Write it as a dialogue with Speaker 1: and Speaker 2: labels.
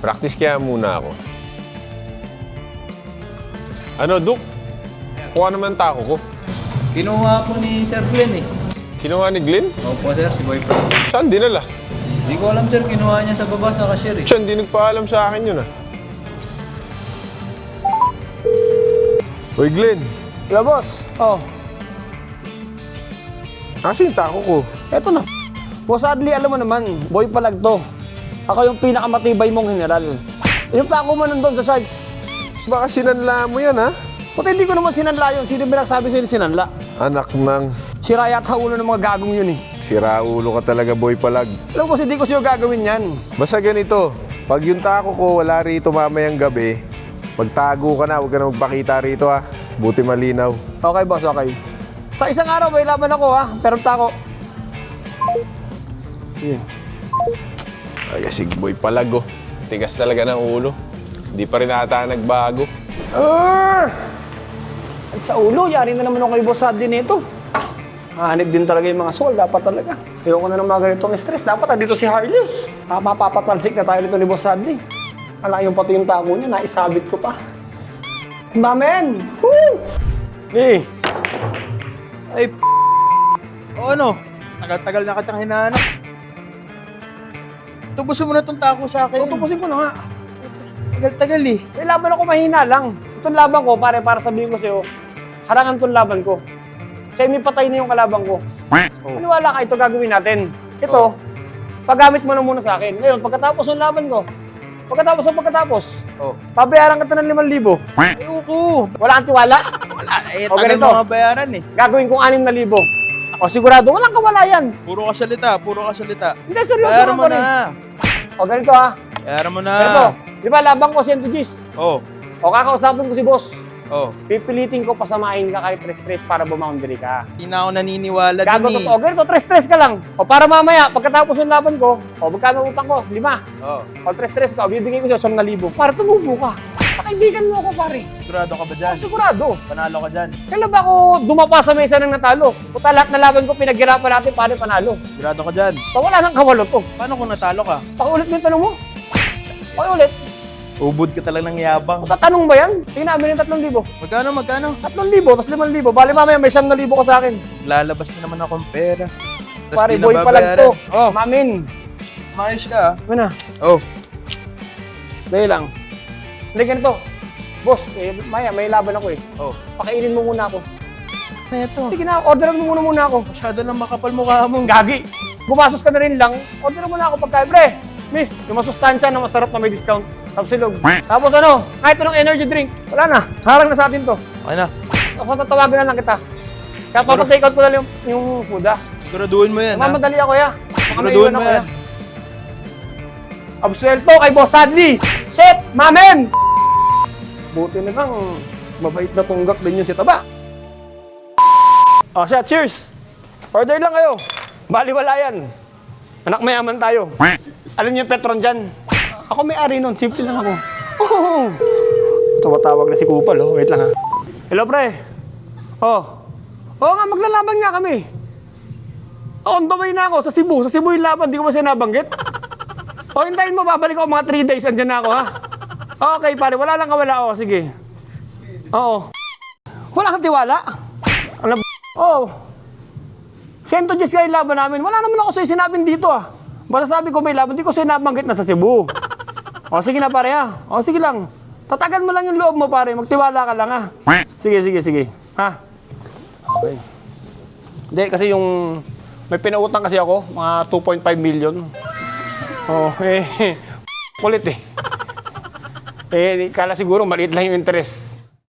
Speaker 1: Practice kaya muna ako. Ano, Duk? Kuha naman tako ko.
Speaker 2: Kinuha po ni Sir Glenn eh.
Speaker 1: Kinuha ni Glenn?
Speaker 2: Opo sir, si boyfriend.
Speaker 1: Saan dinala?
Speaker 2: Hindi ko alam sir, kinuha niya sa baba sa cashier eh.
Speaker 1: Siya, hindi nagpaalam sa akin yun, ah. Uy, Glenn.
Speaker 3: Hello, boss. Oh,
Speaker 1: Kasi yung tako ko.
Speaker 3: eto na. Boss Adli, alam mo naman, boy palag to. Ako yung pinakamatibay mong general. Yung tako mo nandun sa Sharks.
Speaker 1: Baka sinanla mo yan, ha?
Speaker 3: Puti hindi ko naman sinanla yun. Sino ba nagsabi sa'yo sinanla?
Speaker 1: Anak ng
Speaker 3: Sira yata ulo ng mga gagong yun eh.
Speaker 1: siraulo ka talaga, boy palag.
Speaker 3: Alam mo, hindi ko sa'yo gagawin yan.
Speaker 1: Basta ganito, pag yung tako ko wala rito mamayang gabi, magtago ka na, huwag ka na magpakita rito, ha? Buti malinaw.
Speaker 3: Okay, boss, okay. Sa isang araw, may laban ako ha, pero tako. Yeah.
Speaker 1: Ay, si boy palag, oh. Tigas talaga ng ulo. Hindi pa rin ata nagbago.
Speaker 3: At sa ulo, yari na naman ako kay Boss Adli nito. Hanip din talaga yung mga soul, dapat talaga. Ayoko na ng mga ganitong stress. Dapat dito si Harley. Mapapatalsik na tayo nito ni Boss Adli. Ala, yung pati yung tako niya, naisabit ko pa. Mamen! Woo! Eh,
Speaker 2: Ay, o ano? Tagal-tagal na kitang hinahanap. Tubusin mo na itong tako sa akin.
Speaker 3: tutupusin ko na nga.
Speaker 2: Tagal-tagal eh.
Speaker 3: May laban ako mahina lang. Itong laban ko, para sabihin ko sa'yo, harangan itong laban ko. Semi-patay na yung kalaban ko. Maniwala ka, ito gagawin natin. Ito, paggamit mo na muna sa akin. Ngayon, pagkatapos ng laban ko, pagkatapos,
Speaker 2: Oh.
Speaker 3: pabayaran ka na ng 5,000.
Speaker 2: Ayoko.
Speaker 3: Wala kang tiwala?
Speaker 2: Wala. Eh,
Speaker 3: O,
Speaker 2: tagal
Speaker 3: ganito.
Speaker 2: mga bayaran eh.
Speaker 3: Gagawin kong 6,000. O sigurado, walang kawala yan.
Speaker 2: Puro ka salita, puro ka salita.
Speaker 3: Hindi, seryoso
Speaker 2: Bayaran mo
Speaker 3: ako rin.
Speaker 2: na.
Speaker 3: O ganito ha,
Speaker 2: Bayaran mo na.
Speaker 3: ganito. Di ba laban ko 100 Gs?
Speaker 2: Oh.
Speaker 3: O kakausapin ko si boss.
Speaker 2: Oh.
Speaker 3: Pipilitin ko pasamahin ka kahit stress para bumoundary ka.
Speaker 2: Hindi na ako naniniwala
Speaker 3: Gago
Speaker 2: dun eh.
Speaker 3: totoo. Ganito, stress ka lang. O para mamaya, pagkatapos ng laban ko, o magkano utang ko? 5.
Speaker 2: Oh.
Speaker 3: O stress ka, o bibigay ko sa'yo 9,000. Para tumubo ka. Pakaibigan mo ako, pare.
Speaker 2: Sigurado ka ba dyan?
Speaker 3: O sigurado.
Speaker 2: Panalo ka dyan.
Speaker 3: Kailan ba ako dumapa sa mesa ng natalo? Puta, lahat na laban ko, pinaghirapan natin, pare, panalo.
Speaker 2: Sigurado ka dyan.
Speaker 3: So wala nang kawalo to.
Speaker 2: Paano kung natalo ka?
Speaker 3: Pakiulit mo yung tanong mo. Pakiulit.
Speaker 2: Ubod ka talaga ng yabang.
Speaker 3: Tatanong ba yan? Tingnan namin yung 3,000.
Speaker 2: Magkano, magkano?
Speaker 3: 3,000, tapos 5,000. Bali mamaya may 9,000 ka sa akin.
Speaker 2: Lalabas na naman akong pera. Tas
Speaker 3: Pare,
Speaker 2: di na
Speaker 3: boy pa lang to.
Speaker 2: babayaran. Oh,
Speaker 3: Mamin.
Speaker 2: maayos ka ah.
Speaker 3: Ano na?
Speaker 2: Oh.
Speaker 3: Dahil lang. Hindi ganito. Boss, maya, may laban ako eh.
Speaker 2: Oh.
Speaker 3: Pakainin mo muna ako.
Speaker 2: Ano ito?
Speaker 3: Sige na, orderan mo muna ako.
Speaker 2: Masyado lang makapal mukha mo.
Speaker 3: Gagi. Gumasos ka na rin lang. Orderan mo na ako pagkain. Pre, miss, yung masustansya na masarap na may discount. Tapos silog. Tapos ano, kahit anong energy drink. Wala na. Harang na sa atin to.
Speaker 2: Okay na.
Speaker 3: Tapos tatawagan na lang kita. Kaya papatake out ko na lang yung food ah.
Speaker 2: Siguraduhin mo yan ha.
Speaker 3: Mamadali ako ya. Baka
Speaker 2: Siguraduhin
Speaker 3: maiwan
Speaker 2: mo
Speaker 3: ako,
Speaker 2: yan.
Speaker 3: Absuelto kay Boss Adli. Shit, mamen! Buti na lang, mabait na tunggak din yun si Taba. Oh, shit, cheers! Order lang kayo. Baliwala yan. Anak mayaman tayo. Alam niyo yung Petron dyan? Ako may-ari nun, simple lang ako. Oh. Tumatawag na si Kupal, oh. Wait lang ha. Hello, pre. Oh. Oo nga, maglalaban nga kami. On the way na ako, sa Cebu. Sa Cebu yung laban, di ko ba siya nabanggit? O, hintayin mo, babalik ako mga 3 days, andyan na ako, ha? Okay, pare, wala lang kawala. O, sige. Oo. Wala kang tiwala? Ano ba? Oo. 100 Gs kayo laban namin. Wala naman ako sa'yo sinabing dito, ah. Basta sabi ko may laban, di ko sa'yo nabanggit na sa Cebu. O, sige na, pare, ha? O, sige lang. Tatagan mo lang yung loob mo, pare. Magtiwala ka lang, ha? Sige. Ha? Okay. Hindi, kasi yung... May pinautang kasi ako, mga 2.5 million. Oh, kulit eh. Kala siguro maliit lang yung interest.